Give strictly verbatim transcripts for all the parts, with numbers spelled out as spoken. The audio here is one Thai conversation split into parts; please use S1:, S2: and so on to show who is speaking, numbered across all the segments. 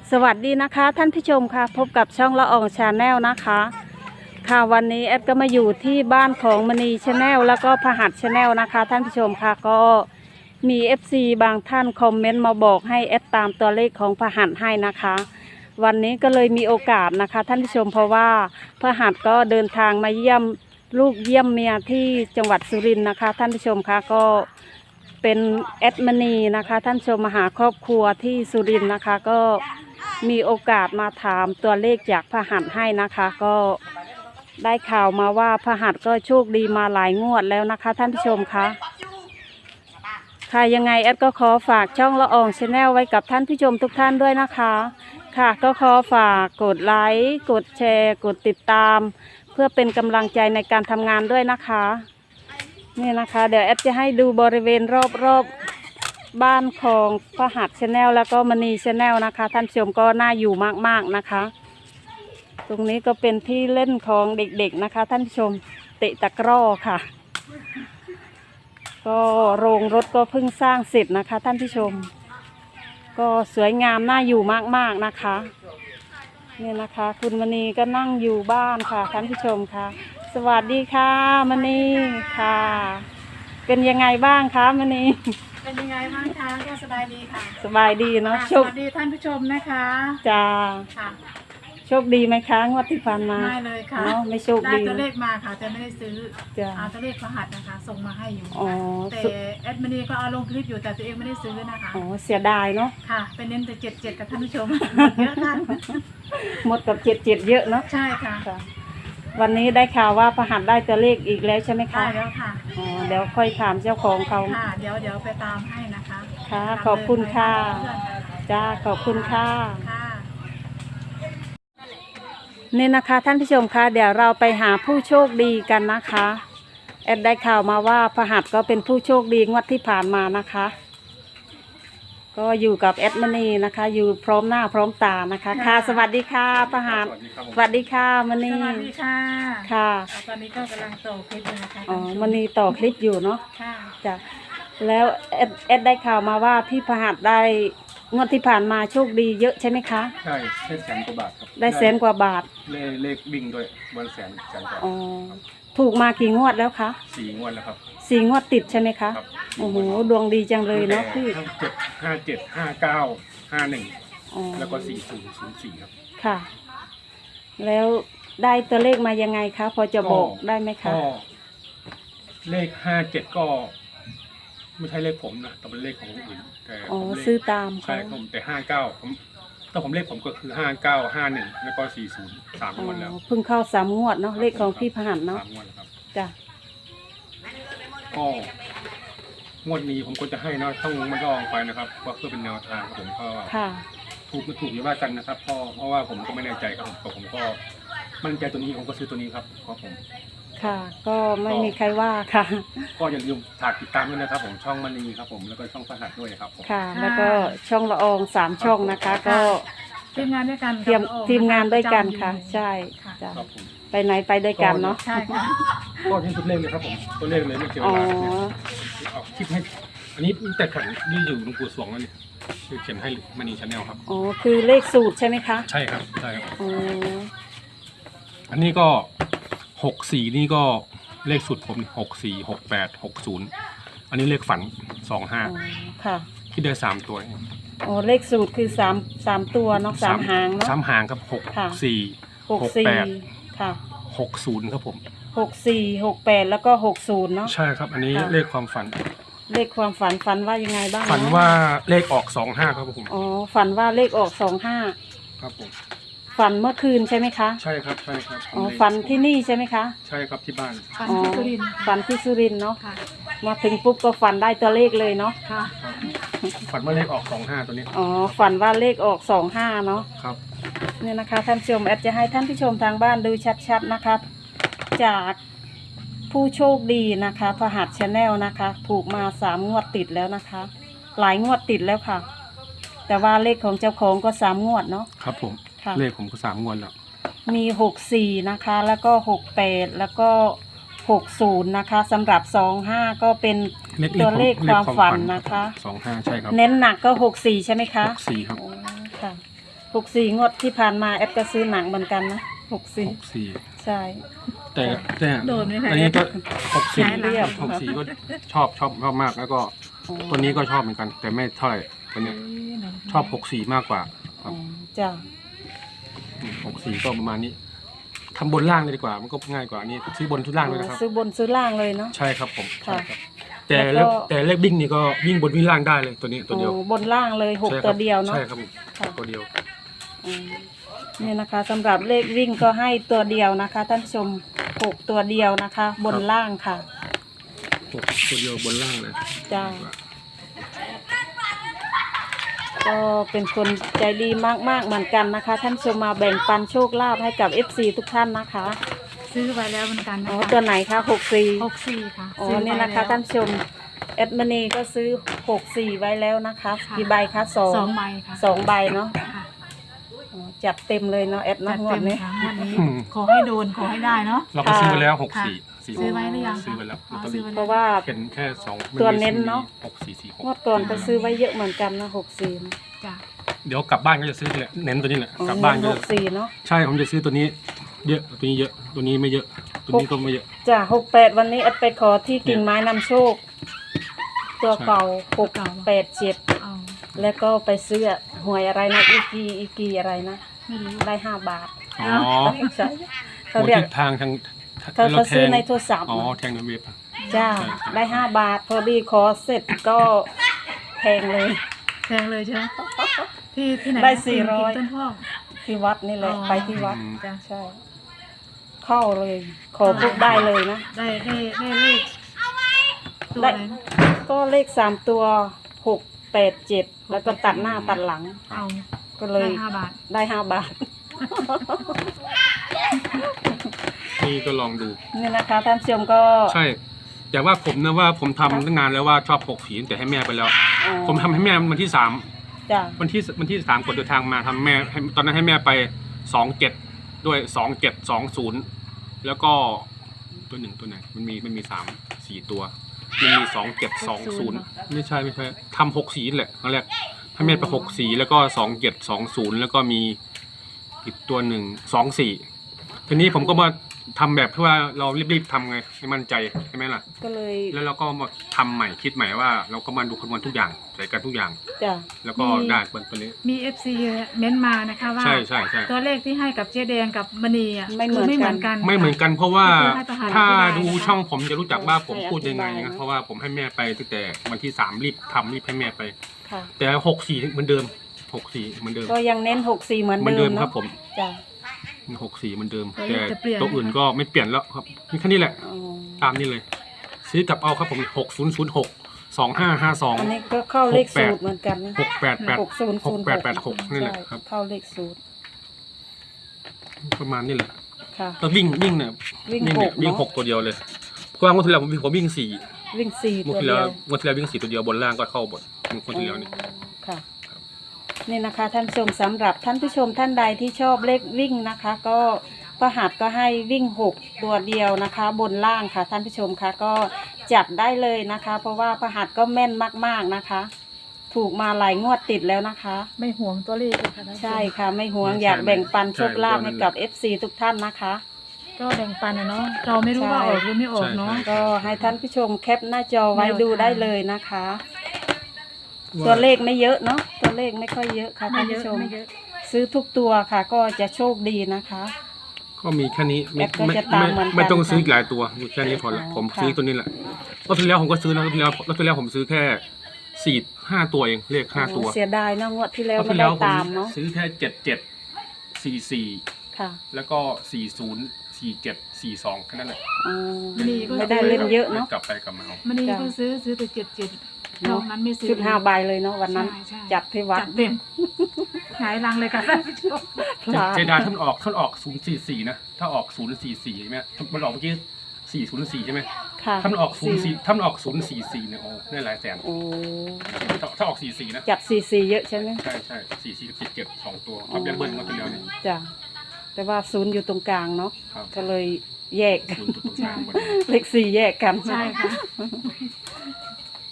S1: สวัสดีนะคะท่านผู้ชมค่ะพบกับช่องละอองชาแนลนะคะค่ะวันนี้แอดก็มาอยู่ที่บ้านของมณีชาแนลแล้วก็พหัสชาแนลนะคะท่านผู้ชมค่ะก็มี เอฟ ซี บางท่านคอมเมนต์มาบอกให้แอดตามตัวเลขของพหัสให้นะคะวันนี้ก็เลยมีโอกาสนะคะท่านผู้ชมเพราะว่าพหัสก็เดินทางมาเยี่ยมลูกเยี่ยมเมียที่จังหวัดสุรินทร์นะคะท่านผู้ชมค่ะก็เป็นแอดมณีนะคะท่านผู้ชมมาหาครอบครัวที่สุรินทร์นะคะก็มีโอกาสมาถามตัวเลขจากพหัสให้นะคะก็ได้ข่าวมาว่าพหัสก็โชคดีมาหลายงวดแล้วนะคะท่านผู้ชมคะค่ะยังไงแอดก็ขอฝากช่องละอองชาแนลไว้กับท่านผู้ชมทุกท่านด้วยนะคะค่ะก็ขอฝากกดไลค์กดแชร์กดติดตามเพื่อเป็นกำลังใจในการทำงานด้วยนะคะนี่นะคะเดี๋ยวแอดจะให้ดูบริเวณรอบๆบ้านของพหัสชาแนลแล้วก็มณีชาแนลนะคะท่านผู้ชมก็น่าอยู่มากๆนะคะตรงนี้ก็เป็นที่เล่นของเด็กๆนะคะท่านผู้ชมเตะตะกร้อค่ะก็โรงรถก็เพิ่งสร้างเสร็จนะคะท่านผู้ชมก็สวยงามน่าอยู่มากๆนะคะนี่นะคะคุณมณีก็นั่งอยู่บ้านค่ะท่านผู้ชมค่ะสวัสดีค่ะมณีค่ะเป็นยังไงบ้างคะมณี
S2: เป็นยังไงบ้างคะก็สบายดีค่ะ
S1: สบายดีเนาะ
S2: สวัสดีท่านผู้ชมนะคะ
S1: จ้า
S2: ค่ะ
S1: โชคดีไหมคะงวดที่ผ่านมา
S2: ไม่เลยค่ะ
S1: เนาะไม่โชคดี
S2: ได้ตัวเลขมาค่ะแต่ไม่ได้ซื้อเอาตัวเลขพหัสนะคะส่งมาให้อยู่แต่แอดมินีก็เอาลงคลิปอยู่แต่ตัวเองไม่ได้ซื้อนะคะ
S1: อ๋อเสียดายเนาะ
S2: ค่ะเป็นเน้นแต่เจ็ดเจ็ดกับท่านผู้ชมเยอะท่าน
S1: หมดกับเจ็ดเจ็ดเยอะเนาะ
S2: ใช่ค่ะ
S1: วันนี้ได้ข่าวว่าพหัสได้ตัวเลขอีกแล้วใช่ไหมคะ
S2: ได้แล้วค่ะ
S1: อ๋อเดี๋ยวค่อยถามเจ้าของเขา
S2: ค่ะเดี๋ยวเดี๋ยวไปตามให้นะคะ
S1: ค่ะขอบคุณค่ะจ้าขอบคุณค่ะนี่นะคะท่านผู้ชมคะเดี๋ยวเราไปหาผู้โชคดีกันนะคะแอดได้ข่าวมาว่าพหัสก็เป็นผู้โชคดีงวดที่ผ่านมานะคะก็อยู่กับแอดมณีนะคะอยู่พร้อมหน้าพร้อมตานะคะค่ะสวัสดีค่ะพหัสสวัสดีค่ะมณี
S2: สวัสดีค่ะ
S1: ค่ะ
S2: ตอนนี้ก็กำลังต่อคลิปอยู่นะคะ
S1: อ๋อมณีต่อคลิปอยู่เนาะ
S2: ค่ะ
S1: จ้ะแล้วแอดแอดได้ข่าวมาว่าพี่พหัสได้งวดที่ผ่านมาโชคดีเยอะใช่ไหมคะ
S3: ใช่ได้แสนกว่าบาทครับ
S1: ได้แสนกว่าบาท
S3: เลขเลขบิ่งด้วยวันแสนแสนกว่า
S1: อ๋อถูกมากี่งวดแล้วคะ
S3: สี่งวดแล้วครับ
S1: สี่งวดติดใช่ไหมคะโอ้โหดวงดีจังเลยเนาะพี่
S3: เจ็ดห้าเจ็ดห้าเก้าห้าหนึ่งแล้วก็สี่ศูนย์ศูนย์สี่ครับ
S1: ค่ะแล้วได้ตัวเลขมายังไงคะพอจะบอกได้ไหมคะ
S3: ก็เลขห้าเจ็ดก็ไม่ใช่เลขผมนะแต่เป็นเลขของคนอื่นแต่
S1: อ๋อซื้อตาม
S3: ใช่ผมแต่ห้าเก้าผมถ้าผมเลขผมก็คือห้าเก้าห้าหนึ่งแล้วก็สี่ศูนย์สามงวดแล้ว
S1: เพิ่งเข้าสามงวดเนาะเลขของพี่พหัสเนาะ
S3: สามงวดแล้วครับ
S1: จ้ะ
S3: ก็งวดนี้ผมควรจะให้นะต้องมันลองไปนะครับว่าเพื่อเป็นแนวทางผมก็ถูกไม่ถูกอย่าว่ากันนะครับเพราะเพราะว่าผมก็ไม่แน่ใจครับผมแต่ผมก็มั่นใจตัวนี้ผมก็ซื้อตัวนี้ครับเพราะผม
S1: ค่ะก็ไม่มีใครว่าค่ะ
S3: ก็อย่าลืมฝากติดตามด้วยนะครับผมช่องมณีครับผมแล้วก็ช่องพหัสด้วยครับผม
S1: ค่ะแล้วก็ช่องละอองสามช่องนะคะก็
S2: ทีมงานด้วยกัน
S1: เตรียมทีมงานด้วยกันค่ะใช่จ้ะไปไหนไปด้วยกันเนาะ
S2: ใช่ค่ะ
S3: ก็ที่ตัวเลขเลยครับผมตัวเลขเลยไม่เกี่ยวกับเอาคลิปให้อันนี้แต่ขันนี่อยู่หลวงปู่สวงแล้วนี่คือเขียนให้มณีชาแนลครับ
S1: อ๋อคือเลขสูตรใช่ไหมคะ
S3: ใช่ครับใช่ครับ
S1: อ๋อ
S3: อันนี้ก็หกสี่นี่ก็เลขสูตรผมหกสี่หกแปดหกศูนย์อันนี้เลขฝันสองห้า
S1: ค่ะ
S3: ที่ได้สามตัว
S1: อ๋อเลขสูตรคือสามสามตัวเนาะสามหางเนาะ
S3: สามหางครับหกสี่
S1: หกแปดค่ะ
S3: หกศูนย์ครับผม
S1: หกสี่หกแปดแล้วก็หกศูนย์เนาะ
S3: ใช่ครับอันนี้เลขความฝัน
S1: เลขความฝันฝันว่ายังไงบ้าง
S3: ฝันว่าเลขออกสองห้าครับผม
S1: อ๋อฝันว่าเลขออกสองห้า
S3: ครับผม
S1: ฝันเมื่อคืนใช่ไหมคะ
S3: ใช่ครับใช่ครับ
S1: อ๋อฝันที่นี่ใช่ไหมคะ
S3: ใช่ครับที่บ้าน
S2: ฝันที่สุรินทร์
S1: ฝันที่สุรินทร์เนาะมาถึงปุ๊บก็ฝันได้ตัวเลขเลยเนาะ
S2: ค่ะ
S3: ฝันว่าเลขออกสองห้าตัวนี้
S1: อ๋อฝันว่าเลขออกสองห้าเนาะ
S3: ครับ
S1: นี่นะคะท่านผู้ชมแอดจะให้ท่านผู้ชมทางบ้านดูชัดๆนะคะจากผู้โชคดีนะคะพหัสชาแนลนะคะถูกมาสามงวดติดแล้วนะคะหลายงวดติดแล้วค่ะแต่ว่าเลขของเจ้าของก็สามงวดเนาะ
S3: ครับผมเลขผมก็สามงวดแล้ว
S1: มีหกสี่นะคะแล้วก็หกแปดแล้วก็หกศูนย์นะคะสำหรับสองห้าก็เป็นตัวเลขความฝันนะคะ
S3: สองห้าใช่ครับ
S1: เน้นหนักก็หกสี่ใช่ไหมคะ
S3: หกสี่ครับ
S1: ค่ะหกสี่งวดที่ผ่านมาแอดก็ซื้อหนังเหมือนกันนะหกสี่
S3: หกสี่
S1: ใช่
S3: แต่แต่
S2: โดนไหมคะ
S3: อันนี้ก็หกสี่
S2: ใช่เรียบ
S3: หกสี่ก็ชอบชอบชอบมากแล้วก็ตัวนี้ก็ชอบเหมือนกัน แต่ไม่เท่าไหร่ตัวเนี้ยชอบหกสี่มากกว่าค
S1: อ๋
S3: รั
S1: อบ จ้ะ
S3: หกสี่ก็ประมาณนี้ทำบนล่างเลยดีกว่า มันก็ง่ายกว่านี่ซื้อบนทุกล่างเลยนะครับ
S1: ซื้อบนซื้อล่างเลยเนาะ
S3: ใช่ครับผม
S1: ค่ะ
S3: ใช่ครับแต่
S1: แล้
S3: แล้ว ว
S1: ก็
S3: แต่เลขวิ่งนี่ก็วิ่งบนวิ่งล่างได้เลยตัวนี้ตัวเดียว
S1: อ๋อบนล่างเลยหก
S3: ใช่ครับ
S1: ตัวเดียวเนาะ
S3: ใช่ครับผม
S1: ค่ะ
S3: ตัวเดียว
S1: อืมนี่นะคะสำหรับเลขวิ่งก็ให้ตัวเดียวนะคะท่านผู้ชมหกตัวเดียวนะคะ บนล่างค่ะ
S3: หกตัวเดียวบนล่างเลย
S1: จ้า ก็เป็นคนใจดีมากๆเหมือนกันนะคะ ท่านผู้ชมมาแบ่งปันโชคลาภให้กับ เอฟ ซี ทุกท่านนะคะ
S2: ซื้อไว้แล้วเหมือนกันนะ
S1: อ๋อ
S2: คะ
S1: ตัวไหนคะหกสี่
S2: หกสี่ค่ะ
S1: อ๋อ
S2: ซื้ไว้
S1: นี่นะคะ
S2: แล้ว
S1: ท่านผู้ชมแอดมินีก็ซื้อหกสี่ไว้แล้วนะคะ
S2: ค่ะ
S1: กี่ใบคะสอง
S2: สองใบค่ะ
S1: สองใบเนาะ
S2: ค่ะ
S1: อ๋อจัดเต็มเลยเนาะแอด
S2: จั
S1: เนาะ
S2: ด
S1: งว
S2: เต็
S1: ด
S2: ม
S1: นี้
S2: ค่ะงวันนี้ขอให้โดนขอให้ได้เนาะ
S3: เราก็ซื้อไปแล้วหกสี่ สี่
S2: ซื้อไว้หรือยังคะ
S3: ซื้อไปแล้ว
S2: อ๋อ
S3: ลอตเตอ
S2: ซื้
S3: รี่
S2: อไว้
S1: เพราะว่า
S3: เป็นแค่สอง
S1: ตัวเน้นเนอะ
S3: หกสี่สี่หก
S1: งวดก่อนก็ซื้อไว้เยอะเหมือนกันนะหกสี่
S2: จ้ะ
S3: เดี๋ยวกลับบ้านก็จะซื้อนี่แหละเน้นตัวนี้แหละ
S1: อ๋อก
S3: ลับบ้าน
S1: ห
S3: ก็
S1: กสี่เนาะ
S3: ใช่ผมจะซื้อตัวนี้ เยอะตัวนี้เยอะตัวนี้ไม่เยอะ ตัวนี้ก็ไม่เยอะ
S1: จ้ะหกแปดวันนี้แอดไปขอที่กิ่งไม้นำโชค ตัวเก่าหกแปดเจ็ด
S2: เอา
S1: แล้วก็ไปซื้อหวยอะไรนะอีกีอีกีอะไรนะ
S2: ไม่รู้
S1: ได้ห้าบาท
S3: อ๋อ
S1: ใช่
S3: หั
S1: เขา
S3: ว
S1: เรียก
S3: ทิศทางทาง
S1: เขาเขาซื้อในโทรศัพท์
S3: อ๋อ
S1: นะ
S3: แทงในเว็บ
S1: จ้า
S3: ใช่ใช่
S1: ได้ห้าบาท พอดีขอเสร็จก็แพงเลย
S2: แพงเลยใช่ไหมที่ที่ไหนนะ
S1: ได้สี่ร้อย
S2: กิ่งต้นพอก
S1: ที่วัดนี่แหละ
S2: อ๋อ
S1: ไปที่วัด
S3: อืม
S2: จ้ะ
S1: ใช่ เข้าเลย ขอปุ๊บได้เลยนะ
S2: ได้ได้ได้เลขตัวอะไรนะ
S1: ก็เลขสามตัวหกแปดเจ็ดแล้วก็ตัดหน้าตัดหลัง
S2: เอา
S1: ก็เล
S2: ได้
S1: ย
S2: ห้าบาท
S1: ได้ห้าบาท
S3: นี่ก็ลองดู
S1: นี่นะคะท่านผู้ชมก็
S3: ใช่แต่ว่าผมนะว่าผมทำตั้งนานแล้วว่าชอบหกผีแต่ให้แม่ไปแล้ว
S1: อ๋อ
S3: ผมทำให้แม่วันที่สาม
S1: จ้ะ
S3: วันที่วันที่สามกดเดินทางมาทำแม่ให้ตอนนั้นให้แม่ไปสองเจ็ดด้วยสองเจ็ดสองศูนย์แล้วก็ตัวหนึ่งตัวไหนมันมีมันมีสามสี่ตัว มันมีสองเจ็ดสองศูนย์ไม่ใช่ไม่ใช่ทำหกสีแหละครั้งแรกให้แม่ไปหกสีแล้วก็สองเจ็ดสองศูนย์แล้วก็มีอีกตัวหนึ่งสองสี่ทีนี้ผมก็มาทำแบบที่ว่าเรารีบๆทำไงให้มั่นใจใช่ไหมล่ะ
S1: ก็เลย
S3: แล้วเราก็มาทำใหม่คิดใหม่ว่าเราก็มาดูคำนวณทุกอย่างใส่กันทุกอย่าง
S1: จ้ะ
S3: แล้วก็ได้เป็นตัวนี้
S2: มีเอฟซีเม้นต์มานะคะว่า
S3: ใช่ใช่ใช่
S2: ตัวเลขที่ให้กับเจ๊แดงกับมณีอ่ะ
S1: ไม่เหมือน
S2: คืไม่เหมือน
S1: กั
S2: กัน น
S3: ไม่เหมือนกันเพราะว่า
S2: ให้ประหาร
S3: ถ้า
S2: อธิบาย
S3: ดู
S2: นะคะ
S3: ช่องผมจะรู้จักว่าผม
S1: ให้
S3: พูดยังไง
S1: อธิบาย
S3: นะ
S1: นะ
S3: เพราะว่าผมให้แม่ไปตั้งแต่วันที่สามรีบทำรีบให้แม่ไป
S1: ค่ะ
S3: แต่หกสี่เหมือนเดิมหกสี่เหมือนเดิม
S1: ก็ยังเน้นหกสี่เหมือน
S3: เหมือน
S1: เดิ
S3: เดิ
S1: ม
S3: มครั
S1: เนาะ
S3: บผม
S1: จ้ะ
S3: หกสี่เหมือนเดิม
S2: ตัวเล
S3: แต่
S2: ขจะเปลี่ยน
S3: ตัวอื่นก็ไม่เปลี่ยนแล้วครับมีแค่นี้แหละ
S1: อ๋อ
S3: ตามนี้เลย ซื้อกลับเอาครับผมหกศูนย์ศูนย์หกสองห้าห้าสอง
S1: อันนี้ก็เข้าเลขสูตรเหมือนกันนะ
S3: หกแปดแปด
S1: หกศูนย์
S3: ห
S1: ศู
S3: ก
S1: นย์
S3: แปดแปดหกนี่แหละครับ
S1: เข้าเลขสูตร
S3: ประมาณนี้แหละ
S1: ค่ะ
S3: แล้ววิ่งวิ่งเนี่ย
S1: วิ่ง
S3: เนี่ย
S1: หก
S3: วิ่ง
S1: เนอะ
S3: หกตัวเดียวเลยเพราะว่างวดที่แล้วผมผมวิ่งสี่
S1: วิ่งสี่
S3: งวด
S1: ตัว
S3: ที่
S1: เดี
S3: แล้ว
S1: ยว
S3: งวดที่แล้ววิ่งสี่ตัวเดียวบนล่างก็เข้าบนงวดที่แล้วเนี่ย
S1: ค่ะ นี่นะคะ ท่านผู้ชมสำหรับท่านผู้ชมท่านใดที่ชอบเลขวิ่งนะคะ ก็ประหัสก็ให้วิ่งหกตัวเดียวนะคะ บนล่างค่ะ ท่านผู้ชมคะก็จัดได้เลยนะคะ เพราะว่าประหัสก็แม่นมากๆนะคะ ถูกมาหลายงวดติดแล้วนะคะ
S2: ไม่ห่วงตัวเลขเลยค่ะท่านผู้ชม
S1: ใช่ค่ะ ไม่ห่วงอยากแบ่งปันโชคลาภให้กับ เอฟ ซี ทุกท่านนะคะ
S2: ก็แบ่งปันนะเนาะเราไม่รู้ว่าออกหรือไม่ออกเนาะ
S1: ก็ให้ท่านผู้ชมแคปหน้าจอไว้
S2: แนวทาง
S1: ดูได้เลยนะคะ ตัวเลขไม่เยอะเนาะตัวเลขไม่ค่อยเยอะค่ะ
S2: ไม่
S1: ท่าน
S2: เย
S1: ผู้
S2: อะ
S1: ชม
S2: ไม่เยอะ
S1: ซื้อทุกตัวค่ะ ก็จะโชคดีนะคะ
S3: ก็มีแค่นี้ไม่
S1: แอปก็
S3: ไม่
S1: จะตาม
S3: ไม่
S1: เหมือนกัน
S3: ไม่ต้องซื้อ
S1: ค่ะ
S3: อีกหลายตัวมีแค่นี้พอละ
S1: อ๋อ
S3: ผม
S1: ค่ะ
S3: ซื้อตัวนี้แหละรอบที่แล้วผมก็ซื้อนะรอบที่แล้วรอบที่แล้วผมซื้อแค่สี่ห้าตัวเองเลขห้าตัว
S1: โอ้เสียดายเนาะงวดที่แล้
S3: ร
S1: ว
S3: อบ
S1: ไม่
S3: ที่
S1: ได้
S3: แล้วผม
S1: ตามเนาะ
S3: ซื้อแค่เจ็ดเจ็ดสี่สี่
S1: ค่ะ
S3: แล้วก็สี่ศูนย์สี่เจ็ดสี่สองแค่นั้นแหละ
S1: อ๋อ
S2: มีก็
S1: ไม่ได้เล่นเยอะเนาะ
S3: กลับไปกลับมาเอา
S2: มณี
S1: จ้ะ
S2: ก็ซื้อซื้อแต่เจ็ดเจ็ดน
S1: เนาะ
S2: อกนั้นไม่ซื้อ
S1: ชุดห้าใบเลยเนาะวันนั้น
S2: ใช่ใช่
S1: จัดที่วัด
S2: จัดเต็มหงายรังเลยค่ะท่านผู้ชม
S3: เจเจดาท่านออกท่านออกศูนย์สี่สี่นะถ้าออกศูนย์สี่สี่ใช่ไหมมันออกเมื่อกี้สี่ศูนย์สี่ใช่ไหม
S1: ค่ะ
S3: ท่านออกศูนย์สี่ท่านออกศูนย์สี่สี่เนี่ยโอ้ได้หลายแสน
S1: โอ้
S3: ถ้าถ้าออกสี่สี่นะ
S1: จัดสี่สี่เยอะใช่ไหม
S3: ใช่ใช่สี่สี่สิบเจ็ดสองตัวครับยันเบิ้ลมาทีเดียวเนี่ย
S1: จ้ะแต่ว่าศูนย์อยู่ตรงกลางเนาะ
S3: ครับ
S1: ก็เลยแยก
S3: ศูนย์ตัวตรงกลางหมดเลย
S1: เลขสี่แยกกัน
S2: ใช่ค่ะ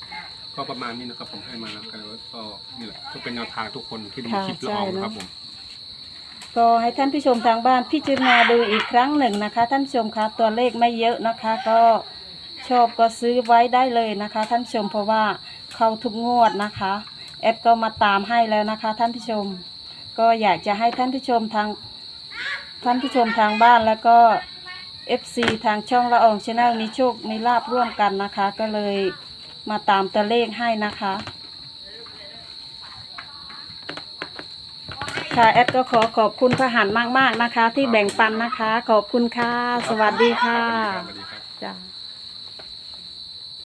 S3: ก็ประมาณนี้นะครับผมให้มาแล้วกันแล้วก็นี่แหละก็เป็นแนวทางทุกคนที่ดู
S1: ค่ะ
S3: คลิปละ
S1: ใช่
S3: ออง
S1: เนอะ
S3: นะครับผม
S1: ก็ให้ท่านผู้ชมทางบ้านพิจารณาดูอีกครั้งหนึ่งนะคะ ท่านผู้ชมคะตัวเลขไม่เยอะนะคะ ก็ชอบก็ซื้อไว้ได้เลยนะคะ ท่านผู้ชมเพราะว่าเข้าทุกงวดนะคะแอดก็มาตามให้แล้วนะคะ ท่านผู้ชมก็อยากจะให้ท่านผู้ชมทางท่านผู้ชมทางบ้านแล้วก็ เอฟ ซี ทางช่องละอองชาแนลมีโชคมีลาภร่วมกันนะคะ ก็เลยมาตามตัวเลขให้นะคะค่ะแอดก็ขอขอบคุณพระหันมากๆนะคะ ที่แบ่งปันนะคะ ขอบคุณค่ะ สวัสดีค่ะ
S3: สวัสดีครับ
S1: จ้า